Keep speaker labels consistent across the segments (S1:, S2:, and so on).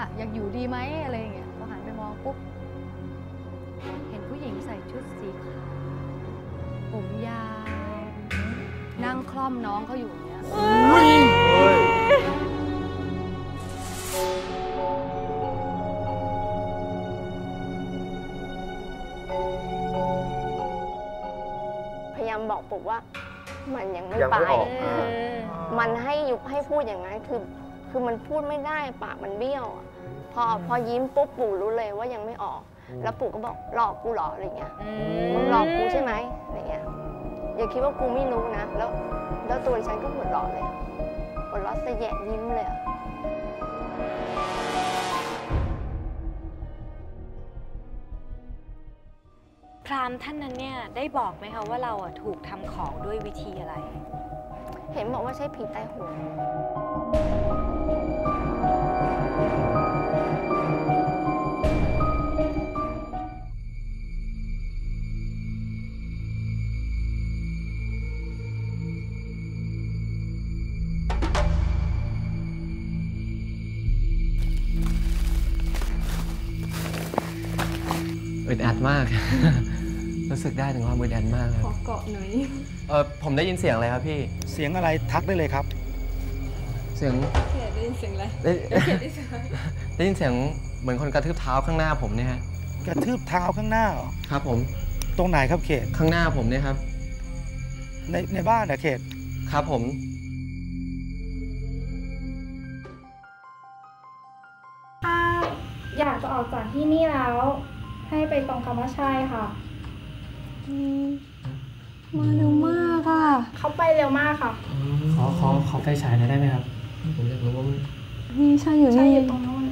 S1: อยากอยู่ดีไหมอะไรอย่างเงี้ยพอหันไปมองปุ๊บเห็นผู้หญิงใส่ชุดสีขาวผมยาวนั่งคล่อมน้องเขาอยู่อย่างเงี้ย
S2: พยายามบอกปุ๊บว่ามันยังไม่ไปมันให้พูดอย่างนั้นคือมันพูดไม่ได้ปากมันเบี้ยวพอยิ้มปุ๊บปู่รู้เลยว่ายังไม่ออกแล้วปู่ก็บอกหลอกกูหรออะไรเงี้ยมึงหลอกกูใช่ไหมอะไรเงี้ยอย่าคิดว่ากูไม่รู้นะแล้วตัวฉันก็หัวเราะเลยหัวเราะสะแยะยิ้มเลย
S3: พราหมณ์ท่านนั้นเนี่ยได้บอกไหมคะว่าเราถูกทำของด้วยวิธีอะไร
S2: เห็นบอกว่าใช้ผีใต้หัว
S4: อึดอัดมาก รู้สึกได้ถึงความอึดอัดมากเลยขอเกาะหน่อยผมได้ยินเสียงอะไรครับพี่
S5: เสียงอะไรทักได้เลยครับ
S4: เสียงได้ยินเสียงอะไรได้ยินเสียงเหมือนคนกระทืบเท้าข้างหน้าผมเนี่ยฮะ
S5: กระทืบเท้าข้างหน้าเหรอ
S4: ครับผม
S5: ตรงไหนครับเขต
S4: ข้างหน้าผมเนี่ยครับ
S5: ในบ้านนะเขต
S4: ครับผม
S6: ถ้าอยากจะออกจากที่นี่แล้วให้ไปตรงคำว่าใช่ค่ะ
S1: มาเร็วมากค่ะ
S6: เขาไปเร็วมากค่ะ
S4: ขอไฟฉายหน่อยได้ไหมครับผมอยากรู้ว่า
S1: นี่ใช่อยู่นี่
S6: ใช่อยู่ตรงนู้น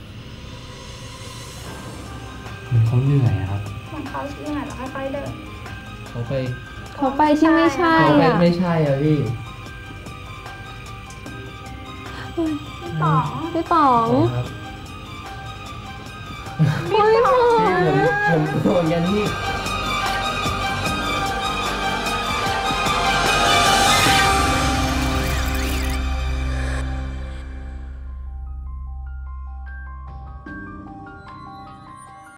S4: เหมือนเขาเหนื่อยครับ
S6: เหมือนเขาเหนื่อยแล้วค่อยๆเดิน
S4: เขาไป
S1: ที่ไม่ใช่
S4: ไม่ใช่อะพี่
S1: พี่ป๋อง
S4: ผมกลัวอย่างนี้